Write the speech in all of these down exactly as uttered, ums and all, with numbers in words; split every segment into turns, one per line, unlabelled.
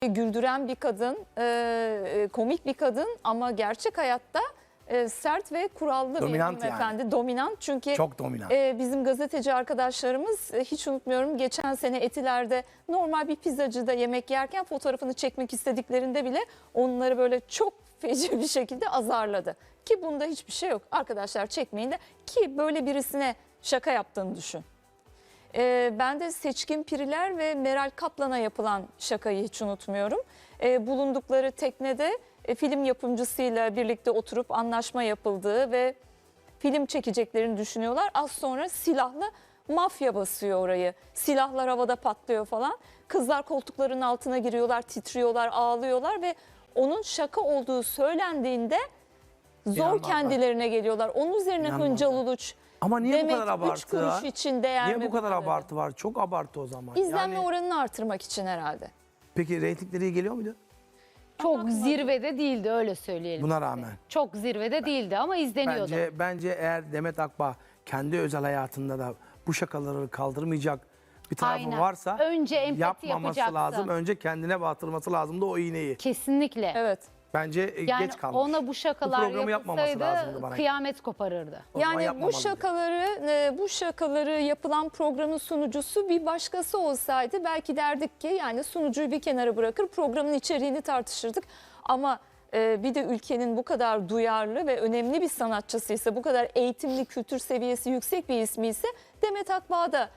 güldüren bir kadın, e, komik bir kadın ama gerçek hayatta e, sert ve kurallı
Dominant
bir hanımefendi.
yani.
Dominant çünkü
Çok dominant.
e, bizim gazeteci arkadaşlarımız e, hiç unutmuyorum geçen sene Etiler'de normal bir pizzacıda yemek yerken fotoğrafını çekmek istediklerinde bile onları böyle çok feci bir şekilde azarladı. Ki bunda hiçbir şey yok. Arkadaşlar çekmeyin de, ki böyle birisine şaka yaptığını düşün. Ee, ben de Seçkin Piriler ve Meral Kaplan'a yapılan şakayı hiç unutmuyorum. Ee, bulundukları teknede e, film yapımcısıyla birlikte oturup anlaşma yapıldığı ve film çekeceklerini düşünüyorlar. Az sonra silahlı mafya basıyor orayı. Silahlar havada patlıyor falan. Kızlar koltukların altına giriyorlar, titriyorlar, ağlıyorlar ve onun şaka olduğu söylendiğinde zor
İnanmazlar.
kendilerine geliyorlar. Onun üzerine
İnanmazlar.
Hıncal Uluç,
Ama niye
Demet,
bu kadar abartı
üç kuruş
var?
için değer
Niye
mi
bu kadar
dedi.
abartı var? Çok abartı o zaman.
İzlenme
Yani,
oranını artırmak için herhalde.
peki reytingleri iyi geliyor muydu?
Çok zirvede değildi, öyle söyleyelim.
Buna
size.
rağmen.
Çok zirvede değildi ama izleniyordu.
Bence, bence eğer Demet Akbağ kendi özel hayatında da bu şakaları kaldırmayacak bir tarafı
Aynen.
varsa
Önce empati
yapmaması
yapacaksın.
lazım. Önce kendine batırması lazım da o iğneyi.
Kesinlikle.
Evet.
Bence e,
Yani
geç kalmış.
ona bu şakalar
Bu programı yapmaması lazımdı
yapılsaydı
bana.
kıyamet koparırdı.
O zaman
Yani bu
yapmamalıydı.
şakaları e, bu şakaları yapılan programın sunucusu bir başkası olsaydı belki derdik ki, yani sunucuyu bir kenara bırakır programın içeriğini tartışırdık. Ama e, bir de ülkenin bu kadar duyarlı ve önemli bir sanatçısıysa, bu kadar eğitimli, kültür seviyesi yüksek bir ismi ise Demet Akbağ'ı da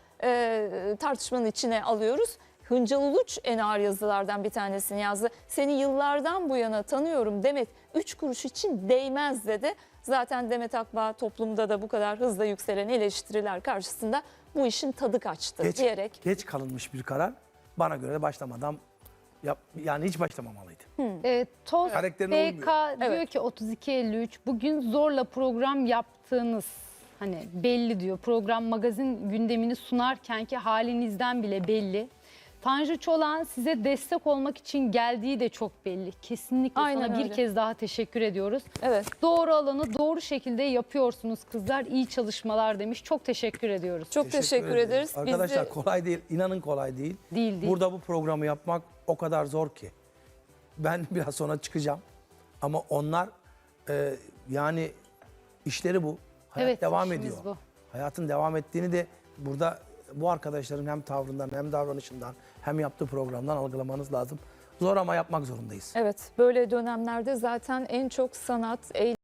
e, tartışmanın içine alıyoruz. Hıncal Uluç en ağır yazılardan bir tanesini yazdı. Seni yıllardan bu yana tanıyorum Demet, üç kuruş için değmez dedi. Zaten Demet Akbağ toplumda da bu kadar hızla yükselen eleştiriler karşısında bu işin tadı kaçtı
Geç,
diyerek.
geç kalınmış bir karar. Bana göre de başlamadan yap, yani hiç başlamamalıydı.
E, Toz
Karakterine
B K
uymuyor.
diyor
Evet.
ki otuz iki elli üç bugün zorla program yaptığınız hani belli diyor. Program magazin gündemini sunarken ki halinizden bile belli. Tanju Çolak'ın size destek olmak için geldiği de çok belli. Kesinlikle
Aynen
sana bir
öyle.
kez daha teşekkür ediyoruz.
Evet.
Doğru alanı doğru şekilde yapıyorsunuz kızlar. İyi çalışmalar demiş. Çok teşekkür ediyoruz.
Çok teşekkür, ederiz. Biz
Arkadaşlar
de-
kolay değil. İnanın kolay değil.
Değil, değil.
Burada bu programı yapmak o kadar zor ki. Ben biraz sonra çıkacağım. Ama onlar e, yani işleri bu. Hayat
Evet,
devam
işimiz
ediyor.
bu.
Hayatın devam ettiğini de burada bu arkadaşların hem tavrından hem davranışından hem yaptığı programdan algılamanız lazım. Zor ama yapmak zorundayız.
Evet, böyle dönemlerde zaten en çok sanat, eğlence